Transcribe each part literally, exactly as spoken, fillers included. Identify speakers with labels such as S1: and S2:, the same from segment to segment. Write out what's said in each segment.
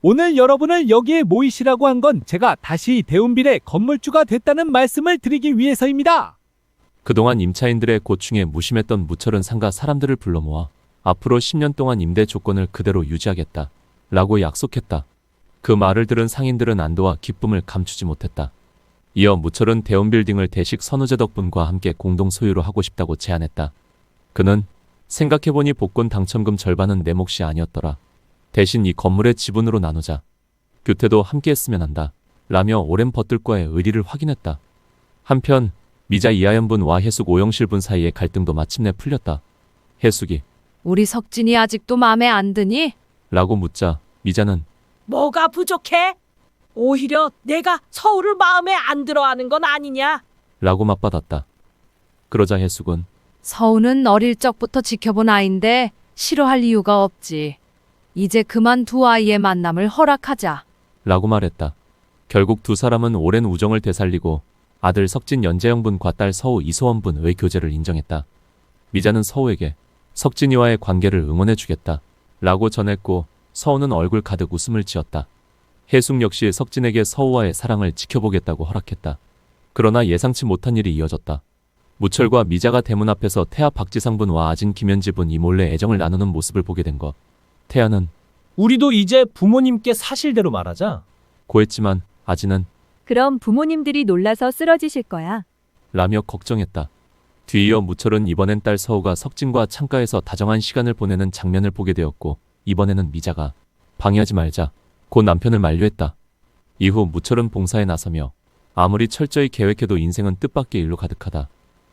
S1: 오늘 여러분을 여기에 모이시라고 한 건 제가 다시 대운빌의 건물주가 됐다는 말씀을 드리기 위해서입니다.
S2: 그동안 임차인들의 고충에 무심했던 무철은 상가 사람들을 불러 모아 앞으로 십 년 동안 임대 조건을 그대로 유지하겠다 라고 약속했다. 그 말을 들은 상인들은 안도와 기쁨을 감추지 못했다. 이어 무철은 대운빌딩을 대식 선우재 덕분과 함께 공동 소유로 하고 싶다고 제안했다. 그는 생각해보니 복권 당첨금 절반은 내 몫이 아니었더라. 대신 이 건물의 지분으로 나누자. 규태도 함께 했으면 한다. 라며 오랜 버틀과의 의리를 확인했다. 한편 미자 이하연분과 해숙 오영실분 사이의 갈등도 마침내 풀렸다. 해숙이
S3: 우리 석진이 아직도 마음에 안 드니?
S2: 라고 묻자 미자는
S4: 뭐가 부족해? 오히려 내가 서울을 마음에 안 들어하는 건 아니냐?
S2: 라고 맞받았다. 그러자 해숙은
S3: 서우는 어릴 적부터 지켜본 아인데 싫어할 이유가 없지. 이제 그만 두 아이의 만남을 허락하자.
S2: 라고 말했다. 결국 두 사람은 오랜 우정을 되살리고 아들 석진 연재영분과 딸 서우 이소원분의 교제를 인정했다. 미자는 서우에게 석진이와의 관계를 응원해주겠다 라고 전했고 서우는 얼굴 가득 웃음을 지었다. 해숙 역시 석진에게 서우와의 사랑을 지켜보겠다고 허락했다. 그러나 예상치 못한 일이 이어졌다. 무철과 미자가 대문 앞에서 태아 박지상분과 아진 김현지분이 몰래 애정을 나누는 모습을 보게 된 것. 태아는
S5: 우리도 이제 부모님께 사실대로 말하자.
S2: 고했지만 아진은
S6: 그럼 부모님들이 놀라서 쓰러지실 거야.
S2: 라며 걱정했다. 뒤이어 무철은 이번엔 딸 서우가 석진과 창가에서 다정한 시간을 보내는 장면을 보게 되었고 이번에는 미자가 방해하지 말자 곧 남편을 만류했다. 이후 무철은 봉사에 나서며 아무리 철저히 계획해도 인생은 뜻밖의 일로 가득하다.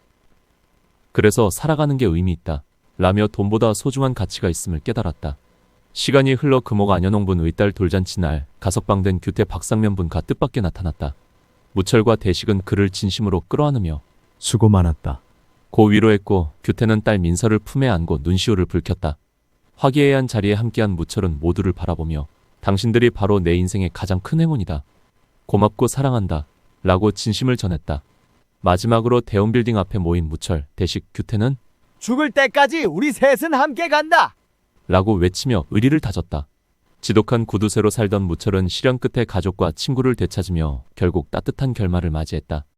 S2: 그래서 살아가는 게 의미 있다 라며 돈보다 소중한 가치가 있음을 깨달았다. 시간이 흘러 금옥 안현홍분 의딸 돌잔치 날 가석방된 규태 박상면분과 뜻밖의 나타났다. 무철과 대식은 그를 진심으로 끌어안으며
S7: 수고 많았다.
S2: 고 위로했고 규태는 딸 민서를 품에 안고 눈시울을 붉혔다. 화기애애한 자리에 함께한 무철은 모두를 바라보며 당신들이 바로 내 인생의 가장 큰 행운이다. 고맙고 사랑한다 라고 진심을 전했다. 마지막으로 대운빌딩 앞에 모인 무철, 대식, 규태는
S1: 죽을 때까지 우리 셋은 함께 간다.
S2: 라고 외치며 의리를 다졌다. 지독한 구두쇠로 살던 무철은 시련 끝에 가족과 친구를 되찾으며 결국 따뜻한 결말을 맞이했다.